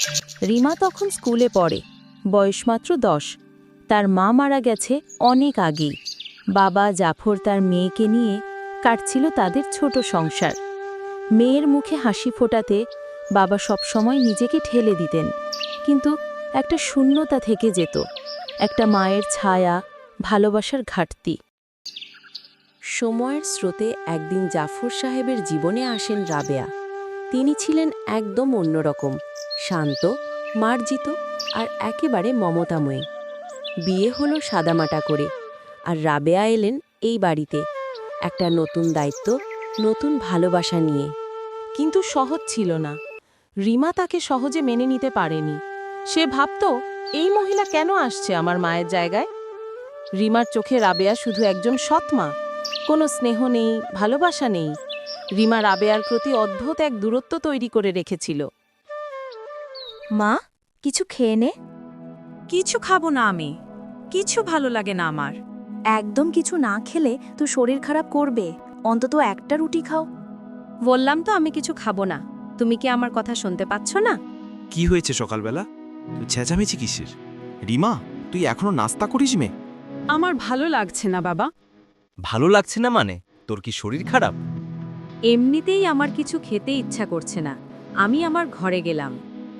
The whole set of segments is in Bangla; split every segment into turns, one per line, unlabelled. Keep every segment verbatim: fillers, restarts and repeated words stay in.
রিমা তখন স্কুলে পড়ে, বয়স মাত্র দশ। তার মা মারা গেছে অনেক আগেই। বাবা জাফর তার মেয়েকে নিয়ে কাটছিল তাদের ছোট সংসার। মেয়ের মুখে হাসি ফোটাতে বাবা সবসময় নিজেকে ঠেলে দিতেন, কিন্তু একটা শূন্যতা থেকে যেত, একটা মায়ের ছায়া, ভালোবাসার ঘাটতি। সময়ের স্রোতে একদিন জাফর সাহেবের জীবনে আসেন রাবেয়া। তিনি ছিলেন একদম অন্যরকম, শান্ত, মার্জিত আর একেবারে মমতাময়ী। বিয়ে হলো সাদামাটা করে, আর রাবেয়া এলেন এই বাড়িতে একটা নতুন দায়িত্ব, নতুন ভালোবাসা নিয়ে। কিন্তু সহজ ছিল না। রিমা তাকে সহজে মেনে নিতে পারেনি। সে ভাবত, এই মহিলা কেন আসছে আমার মায়ের জায়গায়? রিমার চোখে রাবেয়া শুধু একজন সৎমা, কোনো স্নেহ নেই, ভালোবাসা নেই। রিমা রাবেয়ার প্রতি অদ্ভুত এক দূরত্ব তৈরি করে রেখেছিল।
মা, কিছু খেয়ে নে।
কিছু খাবো না আমি, কিছু ভালো লাগে না আমার।
একদম কিছু না খেলে তো শরীর খারাপ করবে, অন্তত একটা রুটি খাও।
বললাম তো আমি কিছু খাবো না। তুমি কি আমার কথা শুনতে পাচ্ছ না?
কি হয়েছে সকালবেলা? তুই চেঁচামেচি কিসের? রিমা, তুই এখনো নাস্তা করিস মে?
আমার ভালো লাগছে না বাবা।
ভালো লাগছে না মানে? তোর কি শরীর খারাপ?
এমনিতেই আমার কিছু খেতে ইচ্ছা করছে না। আমি আমার ঘরে গেলাম।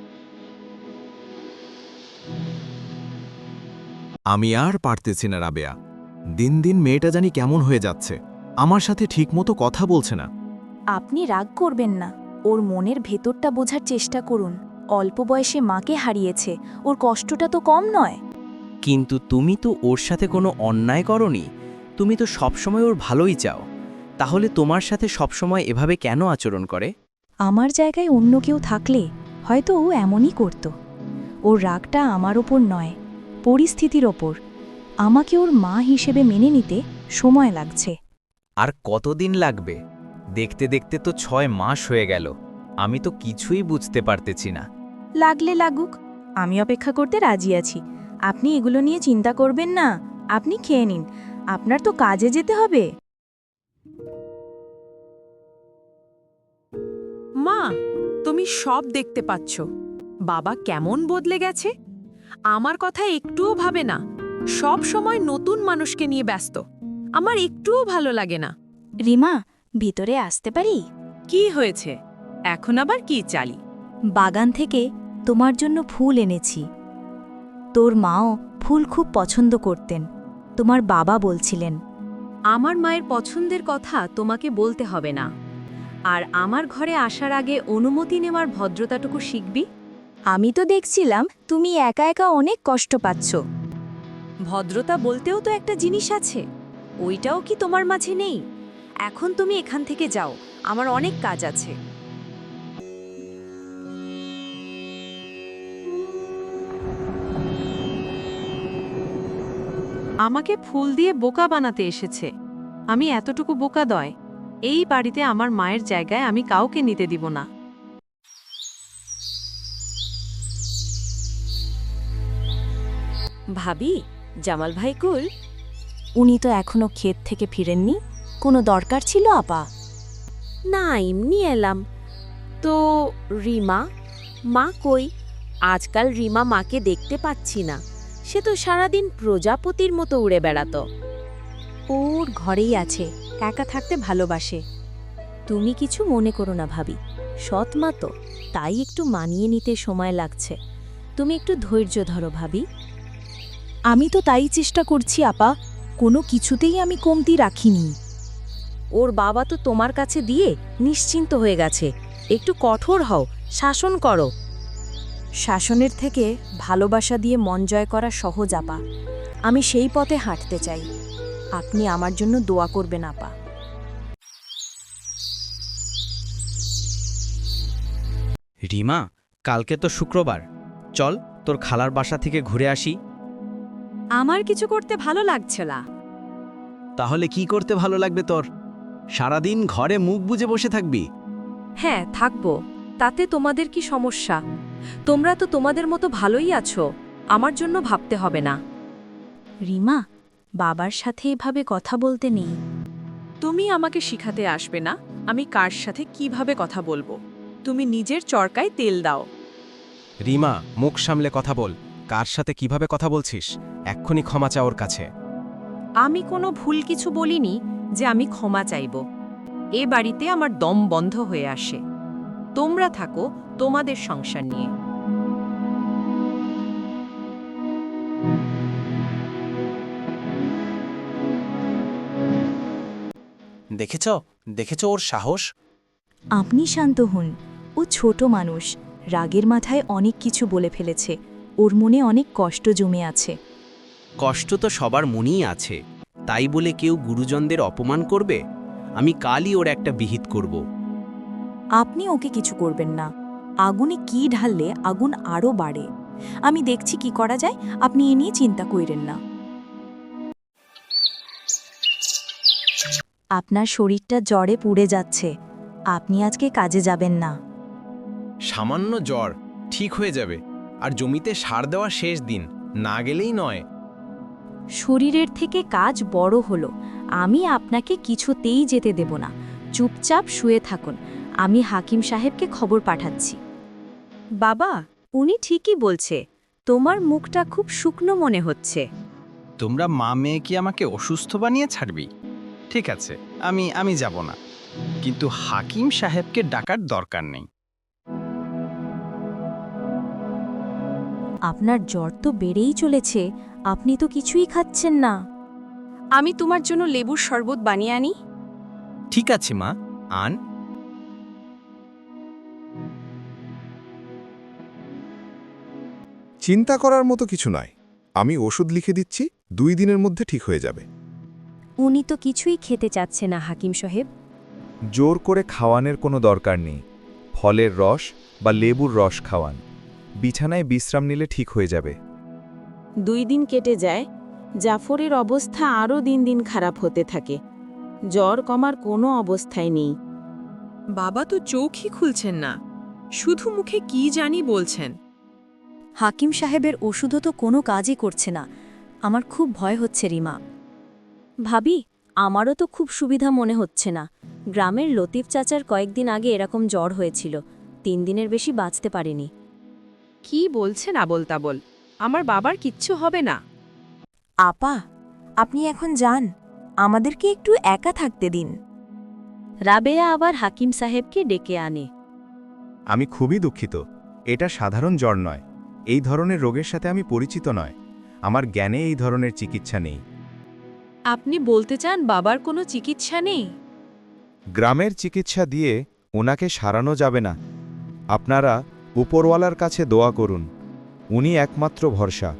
আমি আর পারতেছি না রাবেয়া। দিন দিন মেয়েটা জানি কেমন হয়ে যাচ্ছে, আমার সাথে ঠিকমতো কথা বলছে না।
আপনি রাগ করবেন না, ওর মনের ভেতরটা বোঝার চেষ্টা করুন। অল্প বয়সে মাকে হারিয়েছে, ওর কষ্টটা তো কম নয়।
কিন্তু তুমি তো ওর সাথে কোনো অন্যায় করনি। তুমি তো সবসময় ওর ভালোই চাও। তাহলে তোমার সাথে সবসময় এভাবে কেন আচরণ করে?
আমার জায়গায় অন্য কেউ থাকলে হয়তো ও এমনই করত। ওর রাগটা আমার ওপর নয়, পরিস্থিতির ওপর। আমাকে ওর মা হিসেবে মেনে নিতে সময় লাগছে।
আর কতদিন লাগবে? দেখতে দেখতে তো ছয় মাস হয়ে গেল। আমি তো কিছুই বুঝতে পারতেছি না।
লাগলে লাগুক, আমি অপেক্ষা করতে রাজি আছি। আপনি এগুলো নিয়ে চিন্তা করবেন না। আপনি খেয়ে নিন, আপনার তো কাজে যেতে হবে।
মা, তুমি সব দেখতে পাচ্ছ বাবা কেমন বদলে গেছে। আমার কথা একটুও ভাবে না, সব সময় নতুন মানুষকে নিয়ে ব্যস্ত। আমার একটুও ভালো লাগে না।
রিমা, ভিতরে আসতে পারি?
কি হয়েছে এখন আবার? কি চালি?
বাগান থেকে তোমার জন্য ফুল এনেছি। তোর মাও ফুল খুব পছন্দ করতেন, তোমার বাবা বলছিলেন।
আমার মায়ের পছন্দের কথা তোমাকে বলতে হবে না। আর আমার ঘরে আসার আগে অনুমতি নেওয়ার ভদ্রতাটুকু শিখবি।
আমি তো দেখছিলাম তুমি একা একা অনেক কষ্ট পাচ্ছ।
ভদ্রতা বলতেও তো একটা জিনিস আছে, ওইটাও কি তোমার মাঝে নেই? এখন তুমি এখান থেকে যাও, আমার অনেক কাজ আছে। আমাকে ফুল দিয়ে বোকা বানাতে এসেছে। আমি এতটুকু বোকা দয়। এই বাড়িতে আমার মায়ের জায়গায় আমি কাউকে নিতে দিব না।
ভাবি, জামাল ভাই কুল?
উনি তো এখনো ক্ষেত থেকে ফিরেননি। কোনো দরকার ছিল আপা?
না, এমনি এলাম। তো রিমা মা কই? আজকাল রিমা মাকে দেখতে পাচ্ছি না। সে তো সারাদিন প্রজাপতির মতো উড়ে বেড়াতো।
ওর ঘরেই আছে, একা থাকতে ভালোবাসে।
তুমি কিছু মনে করো না ভাবি, সৎ মা তো, তাই একটু মানিয়ে নিতে সময় লাগছে। তুমি একটু ধৈর্য ধরো ভাবি।
আমি তো তাই চেষ্টা করছি আপা, কোনো কিছুতেই আমি কমতি রাখিনি।
ওর বাবা তো তোমার কাছে দিয়ে নিশ্চিন্ত হয়ে গেছে। একটু কঠোর হও, শাসন করো।
শাসনের থেকে ভালোবাসা দিয়ে মন জয় করা সহজ আপা। আমি সেই পথে হাঁটতে চাই। আপনি আমার জন্য দোয়া করবেন আপা।
রিমা, কালকে তো শুক্রবার, চল তোর খালার বাসা থেকে ঘুরে আসি।
আমার কিছু করতে ভালো লাগছে না।
তাহলে কি করতে ভালো লাগবে তোর? সারাদিন ঘরে মুখ বুজে বসে থাকবি?
হ্যাঁ, থাকবো। তাতে তোমাদের কি সমস্যা? তোমরা তো তোমাদের মতো ভালোই আছো, আমার জন্য ভাবতে হবে না।
রিমা, বাবার সাথে এভাবে কথা বলতে নেই।
তুমি আমাকে শিখাতে আসবে না আমি কার সাথে কিভাবে কথা বলবো। তুমি নিজের চরকায় তেল দাও।
রিমা, মুখ সামলে কথা বল। কার সাথে কিভাবে কথা বলছিস? এক্ষুনি ক্ষমা চা ওর কাছে।
আমি কোনো ভুল কিছু বলিনি যে আমি ক্ষমা চাইব। এ বাড়িতে আমার দম বন্ধ হয়ে আসে। তোমরা থাকো তোমাদের সংসার নিয়ে।
দেখেছ দেখেছ ওর সাহস?
আপনি শান্ত হন। ও ছোট মানুষ, রাগের মাথায় অনেক কিছু বলে ফেলেছে। ওর মনে অনেক কষ্ট জমে আছে।
কষ্ট তো সবার মনেই আছে, তাই বলে কেউ গুরুজনদের অপমান করবে? আমি কালই ওর একটা বিহিত করব।
আপনি ওকে কিছু করবেন না। আগুনে কি ঢাললে আগুন আরও বাড়ে। আমি দেখছি কি করা যায়, আপনি এ নিয়ে চিন্তা কইরেন না। আপনার শরীরটা জ্বরে পুড়ে যাচ্ছে। আপনি আজকে কাজে যাবেন না।
সামান্য জ্বর, ঠিক হয়ে যাবে। আর জমিতে সার দেওয়া শেষ দিন, না গেলেই নয়।
শরীরের থেকে কাজ বড় হলো। আমি আপনাকে কিছুতেই যেতে দেব না। চুপচাপ শুয়ে থাকুন। আমি হাকিম সাহেবকে খবর পাঠাচ্ছি।
বাবা, উনি ঠিকই বলছে। তোমার মুখটা খুব শুকনো মনে হচ্ছে।
তোমরা মা মেয়ে কি আমাকে অসুস্থ বানিয়ে ছাড়বি? ঠিক আছে, আমি আমি যাব না, কিন্তু হাকিম সাহেবকে ডাকার দরকার নেই।
আপনার জ্বর তো বেড়েই চলেছে। আপনি তো কিছুই খাচ্ছেন না।
আমি তোমার জন্য লেবুর শরবত বানিয়ে আনি।
ঠিক আছে মা, আন।
চিন্তা করার মতো কিছু নয়। আমি ওষুধ লিখে দিচ্ছি, দুই দিনের মধ্যে ঠিক হয়ে যাবে।
উনি তো কিছুই খেতে চাচ্ছে না হাকিম সাহেব।
জোর করে খাওয়ানোর কোনো দরকার নেই। ফলের রস বা লেবুর রস খাওয়ান। বিছানায় বিশ্রাম নিলে ঠিক হয়ে যাবে।
দুই দিন কেটে যায়। জাফরের অবস্থা আরও দিন দিন খারাপ হতে থাকে। জ্বর কমার কোনো অবস্থায় নেই।
বাবা তো চোখই খুলছেন না, শুধু মুখে কি জানি বলছেন।
হাকিম সাহেবের ওষুধও তো কোনো কাজই করছে না। আমার খুব ভয় হচ্ছে রিমা। ভাবি, আমারও তো খুব সুবিধা মনে হচ্ছে না। গ্রামের লতিফ চাচার কয়েকদিন আগে এরকম জ্বর হয়েছিল। তিন দিনের বেশি বাঁচতে পারেনি।
কি বলছেন আবোল তাবোল? আমার বাবার কিচ্ছু হবে না।
আপা, আপনি এখন যান। আমাদেরকে একটু একা থাকতে দিন। রাবেয়া আবার হাকিম সাহেবকে ডেকে আনে।
আমি খুবই দুঃখিত। এটা সাধারণ জ্বর নয়। এই ধরনের রোগের সাথে আমি পরিচিত নয়। আমার জ্ঞানে এই ধরনের চিকিৎসা নেই।
আপনি বলতে চান বাবার কোনো চিকিৎসা নেই?
গ্রামের চিকিৎসা দিয়ে ওনাকে সারানো যাবে না। আপনারা উপরওয়ালার কাছে দোয়া করুন। উনি একমাত্র ভরসা।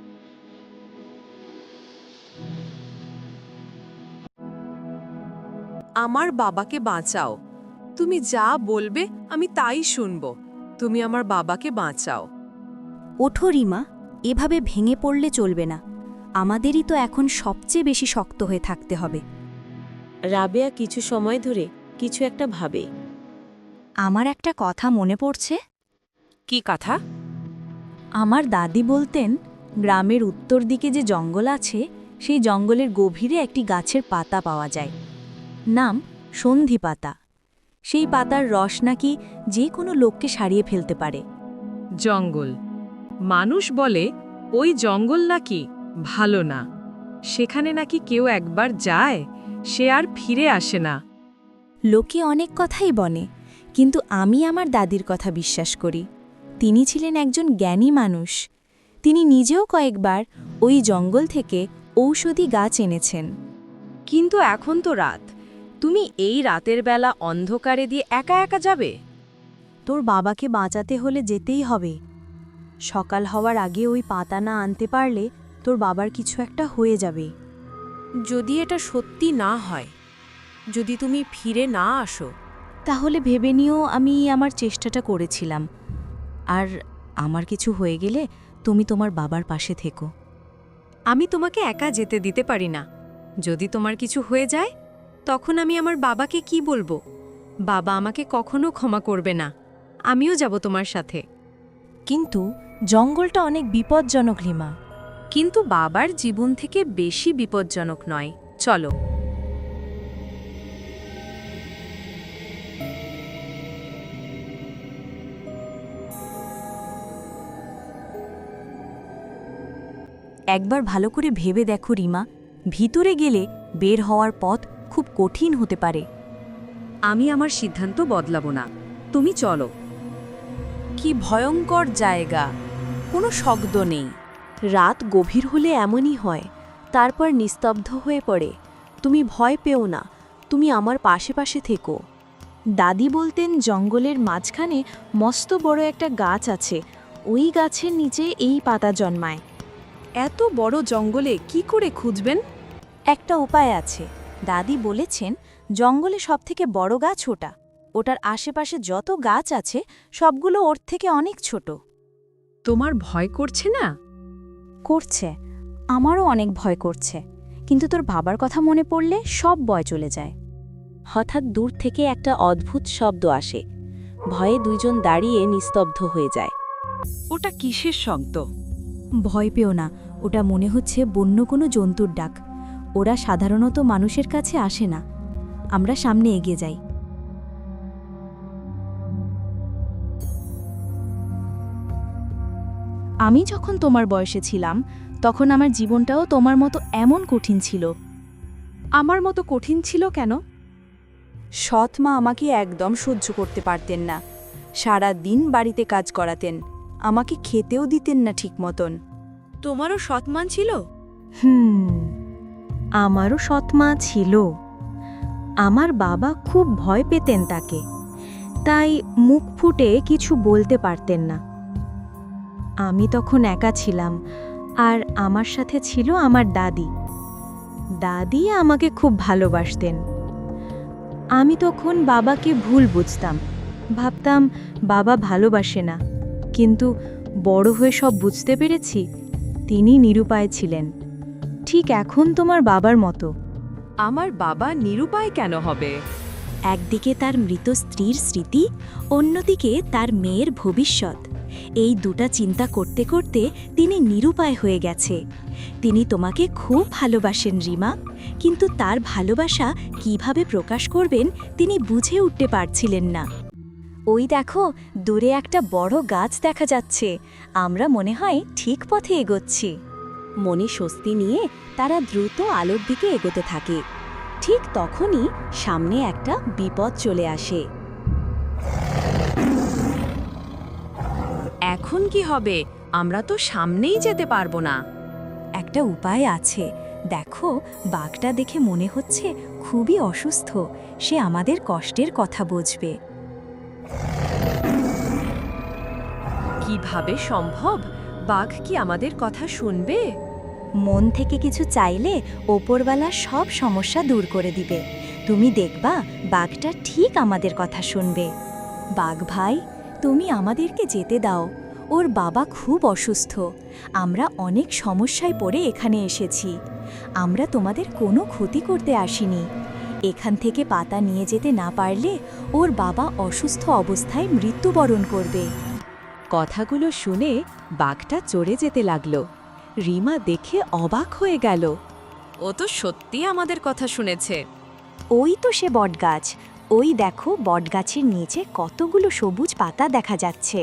আমার বাবাকে বাঁচাও। তুমি যা বলবে আমি তাই শুনব। তুমি আমার বাবাকে বাঁচাও।
ওঠো রিমা, এভাবে ভেঙে পড়লে চলবে না। আমাদেরই তো এখন সবচেয়ে বেশি শক্ত হয়ে থাকতে হবে।
রাবেয়া কিছু সময় ধরে কিছু একটা ভাবে।
আমার একটা কথা মনে পড়ছে।
কি কথা?
আমার দাদি বলতেন, গ্রামের উত্তর দিকে যে জঙ্গল আছে, সেই জঙ্গলের গভীরে একটি গাছের পাতা পাওয়া যায়। নাম সন্ধি পাতা। সেই পাতার রস নাকি যে কোনো লোককে সারিয়ে ফেলতে পারে।
জঙ্গল। মানুষ বলে ওই জঙ্গল নাকি ভালো না। সেখানে নাকি কেউ একবার যায়, সে আর ফিরে আসে না।
লোকে অনেক কথাই বলে, কিন্তু আমি আমার দাদির কথা বিশ্বাস করি। তিনি ছিলেন একজন জ্ঞানী মানুষ। তিনি নিজেও কয়েকবার ওই জঙ্গল থেকে ঔষধি গাছ এনেছেন।
কিন্তু এখন তো রাত। তুমি এই রাতের বেলা অন্ধকারে দিয়ে একা একা যাবে?
তোর বাবাকে বাঁচাতে হলে যেতেই হবে। সকাল হওয়ার আগে ওই পাতা না আনতে পারলে তোর বাবার কিছু একটা হয়ে যাবে।
যদি এটা সত্যি না হয়, যদি তুমি ফিরে না আসো,
তাহলে ভেবে নিও আমি আমার চেষ্টাটা করেছিলাম। আর আমার কিছু হয়ে গেলে তুমি তোমার বাবার পাশে থেকো।
আমি তোমাকে একা যেতে দিতে পারি না। যদি তোমার কিছু হয়ে যায়, তখন আমি আমার বাবাকে কি বলবো? বাবা আমাকে কখনো ক্ষমা করবে না। আমিও যাব তোমার সাথে।
কিন্তু জঙ্গলটা অনেক বিপজ্জনক রিমা।
কিন্তু বাবার জীবন থেকে বেশি বিপজ্জনক নয়। চলো।
একবার ভালো করে ভেবে দেখো রিমা, ভিতরে গেলে বের হওয়ার পথ খুব কঠিন হতে পারে।
আমি আমার সিদ্ধান্ত বদলাবো না, তুমি চলো।
কি ভয়ঙ্কর জায়গা, কোনো শব্দ নেই।
রাত গভীর হলে এমনই হয়, তারপর নিস্তব্ধ হয়ে পড়ে। তুমি ভয় পেও না, তুমি আমার পাশে পাশে থেকো।
দাদি বলতেন জঙ্গলের মাঝখানে মস্ত বড় একটা গাছ আছে, ওই গাছের নিচে এই পাতা জন্মায়।
এত বড় জঙ্গলে কি করে খুঁজবেন?
একটা উপায় আছে, দাদি বলেছেন জঙ্গলে সবথেকে বড় গাছ ওটা, ওটার আশেপাশে যত গাছ আছে সবগুলো ওর থেকে অনেক ছোট।
তোমার ভয় করছে না?
করছে, আমারও অনেক ভয় করছে, কিন্তু তোর বাবার কথা মনে পড়লে সব ভয় চলে যায়।
হঠাৎ দূর থেকে একটা অদ্ভুত শব্দ আসে। ভয়ে দুইজন দাঁড়িয়ে নিস্তব্ধ হয়ে যায়।
ওটা কিসের শব্দ?
ভয় পেও না, ওটা মনে হচ্ছে বন্য কোনো জন্তুর ডাক। ওরা সাধারণত মানুষের কাছে আসে না। আমরা সামনে এগিয়ে যাই। আমি যখন তোমার বয়সে ছিলাম তখন আমার জীবনটাও তোমার মতো এমন কঠিন ছিল।
আমার মতো কঠিন ছিল কেন?
সৎ মা আমাকে একদম সহ্য করতে পারতেন না। সারা দিন বাড়িতে কাজ করাতেন, আমাকে খেতেও দিতেন না ঠিক মতন।
তোমারও সৎমান ছিল?
হুম, আমারও সৎ মা ছিল। আমার বাবা খুব ভয় পেতেন তাকে, তাই মুখ ফুটে কিছু বলতে পারতেন না। আমি তখন একা ছিলাম, আর আমার সাথে ছিল আমার দাদি। দাদি আমাকে খুব ভালোবাসতেন। আমি তখন বাবাকে ভুল বুঝতাম, ভাবতাম বাবা ভালোবাসে না, কিন্তু বড় হয়ে সব বুঝতে পেরেছি তিনি নিরুপায় ছিলেন, ঠিক এখন তোমার বাবার মতো।
আমার বাবা নিরুপায় কেন হবে?
একদিকে তার মৃত স্ত্রীর স্মৃতি, অন্যদিকে তার মেয়ের ভবিষ্যৎ। এই দুটা চিন্তা করতে করতে তিনি নিরুপায় হয়ে গেছে। তিনি তোমাকে খুব ভালোবাসেন রিমা, কিন্তু তার ভালোবাসা কিভাবে প্রকাশ করবেন তিনি বুঝে উঠতে পারছিলেন না। ওই দেখো, দূরে একটা বড় গাছ দেখা যাচ্ছে, আমরা মনে হয় ঠিক পথে এগোচ্ছি।
মনে স্বস্তি নিয়ে তারা দ্রুত আলোর দিকে এগোতে থাকে। ঠিক তখনই সামনে একটা বিপদ চলে আসে।
এখন কি হবে? আমরা তো সামনেই যেতে পারবো না।
একটা উপায় আছে, দেখো বাঘটা দেখে মনে হচ্ছে খুবই অসুস্থ, সে আমাদের কষ্টের কথা বুঝবে।
কিভাবে সম্ভব? বাঘ কি আমাদের কথা শুনবে?
মন থেকে কিছু চাইলে ওপরওয়ালা সব সমস্যা দূর করে দিবে। তুমি দেখবা বাঘটা ঠিক আমাদের কথা শুনবে। বাঘ ভাই, তুমি আমাদেরকে যেতে দাও, ওর বাবা খুব অসুস্থ, আমরা অনেক সমস্যায় পড়ে এখানে এসেছি। আমরা তোমাদের কোনো ক্ষতি করতে আসিনি। এখান থেকে পাতা নিয়ে যেতে না পারলে ওর বাবা অসুস্থ অবস্থায় মৃত্যুবরণ করবে।
কথাগুলো শুনে বাঘটা চড়ে যেতে লাগলো। রিমা দেখে অবাক হয়ে গেল।
ও তো সত্যি আমাদের কথা শুনেছে।
ওই তো সে বটগাছ, ওই দেখো বটগাছের নিচে কতগুলো সবুজ পাতা দেখা যাচ্ছে।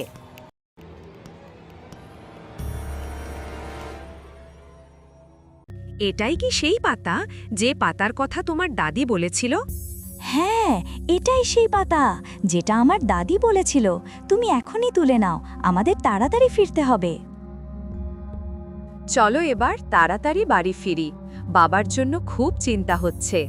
এটাই কি সেই পাতা যে পাতার কথা তোমার দাদি বলেছিল?
হ্যাঁ, এটাই সেই পাতা যেটা আমার দাদি বলেছিল। তুমি এখনই তুলে নাও, আমাদের তাড়াতাড়ি ফিরতে হবে।
চলো এবার তাড়াতাড়ি বাড়ি ফিরি, বাবার জন্য খুব চিন্তা হচ্ছে।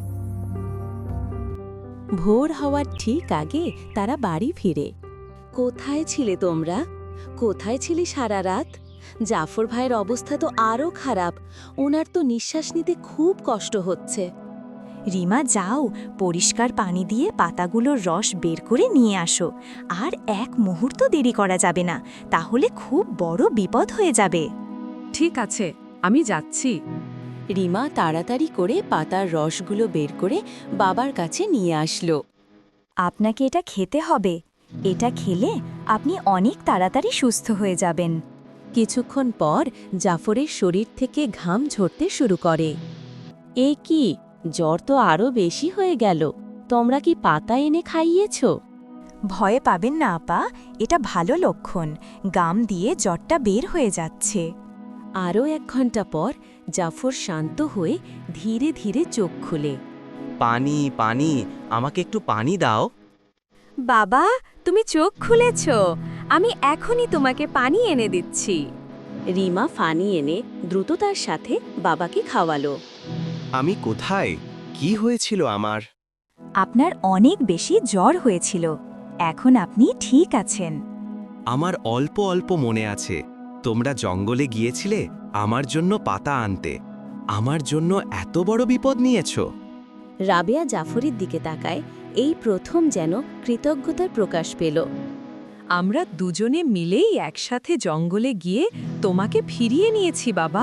ভোর হওয়ার ঠিক আগে তারা বাড়ি ফিরে। কোথায় ছিলে তোমরা? কোথায় ছিলে সারা রাত? জাফর ভাইয়ের অবস্থা তো আরও খারাপ, ওনার তো নিঃশ্বাস নিতে খুব কষ্ট হচ্ছে।
রিমা, যাও পরিষ্কার পানি দিয়ে পাতাগুলোর রস বের করে নিয়ে আসো, আর এক মুহূর্ত দেরি করা যাবে না, তাহলে খুব বড় বিপদ হয়ে যাবে।
ঠিক আছে, আমি যাচ্ছি।
রিমা তাড়াতাড়ি করে পাতার রসগুলো বের করে বাবার কাছে নিয়ে আসলো।
আপনাকে এটা খেতে হবে, এটা খেলে আপনি অনেক তাড়াতাড়ি সুস্থ হয়ে যাবেন।
কিছুক্ষণ পর জাফরের শরীর থেকে ঘাম ঝরতে শুরু করে। এ কি, জ্বর তো আরও বেশি হয়ে গেল, তোমরা কি পাতা এনে খাইয়েছ?
ভয়ে পাবেন না আপা, এটা ভালো লক্ষণ, গাম দিয়ে জ্বরটা বের হয়ে যাচ্ছে।
আরও এক ঘন্টা পর জাফর শান্ত হয়ে ধীরে ধীরে চোখ খুলে।
পানি পানি আমাকে একটু পানি দাও।
বাবা, তুমি চোখ খুলেছ। আমি এখনই তোমাকে পানি এনে দিচ্ছি।
রিমা পানি এনে দ্রুততার সাথে বাবাকে খাওয়ালো।
আমি কোথায়? কি হয়েছিল আমার?
আপনার অনেক বেশি জ্বর হয়েছিল। এখন আপনি ঠিক আছেন।
আমার অল্প অল্প মনে আছে, তোমরা জঙ্গলে গিয়েছিলে আমার জন্য পাতা আনতে। আমার জন্য এত বড় বিপদ নিয়েছো?
রাবেয়া জাফরের দিকে তাকায়, এই প্রথম যেন কৃতজ্ঞতার প্রকাশ পেল।
আমরা দুজনে মিলেই একসাথে জঙ্গলে গিয়ে তোমাকে ফিরিয়ে নিয়েছি বাবা।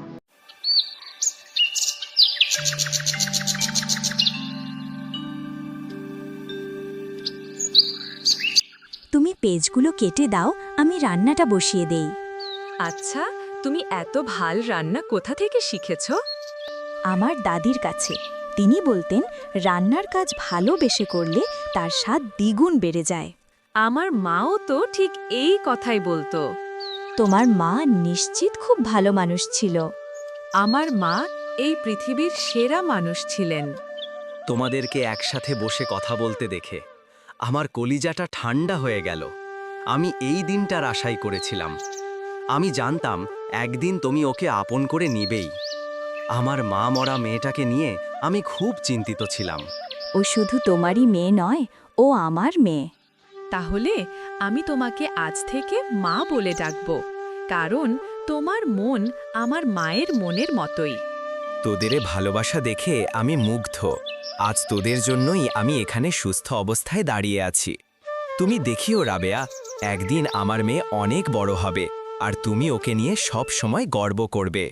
তুমি পেজগুলো কেটে দাও, আমি রান্নাটা বসিয়ে দেই।
আচ্ছা, তুমি এত ভাল রান্না কোথা থেকে শিখেছ?
আমার দাদির কাছে। তিনি বলতেন রান্নার কাজ ভালোবেসে করলে তার স্বাদ দ্বিগুণ বেড়ে যায়।
আমার মাও তো ঠিক এই কথাই বলতো।
তোমার মা নিশ্চিত খুব ভালো মানুষ ছিল।
আমার মা এই পৃথিবীর সেরা মানুষ ছিলেন।
তোমাদেরকে একসাথে বসে কথা বলতে দেখে আমার কলিজাটা ঠান্ডা হয়ে গেল। আমি এই দিনটার আশাই করেছিলাম। আমি জানতাম একদিন তুমি ওকে আপন করে নিবেই। আমার মা মরা মেয়েটাকে নিয়ে আমি খুব চিন্তিত ছিলাম।
ও শুধু তোমারই মেয়ে নয়, ও আমার মেয়ে।
তাহলে আমি তোমাকে আজ থেকে মা বলে ডাকব, কারণ তোমার মন আমার মায়ের মনের মতোই।
তোদের ভালোবাসা দেখে আমি মুগ্ধ। আজ তোদের জন্যই আমি এখানে সুস্থ অবস্থায় দাঁড়িয়ে আছি। তুমি দেখিও রাবেয়া, একদিন আমার মেয়ে অনেক বড় হবে আর তুমি ওকে নিয়ে সব সময় গর্ব করবে।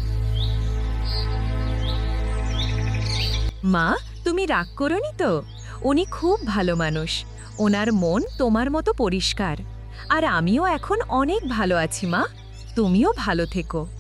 মা, তুমি রাগ করোনি তো? উনি খুব ভালো মানুষ। ওনার মন তোমার মতো পরিষ্কার। আর আমিও এখন অনেক ভালো আছি মা। তুমিও ভালো থেকো।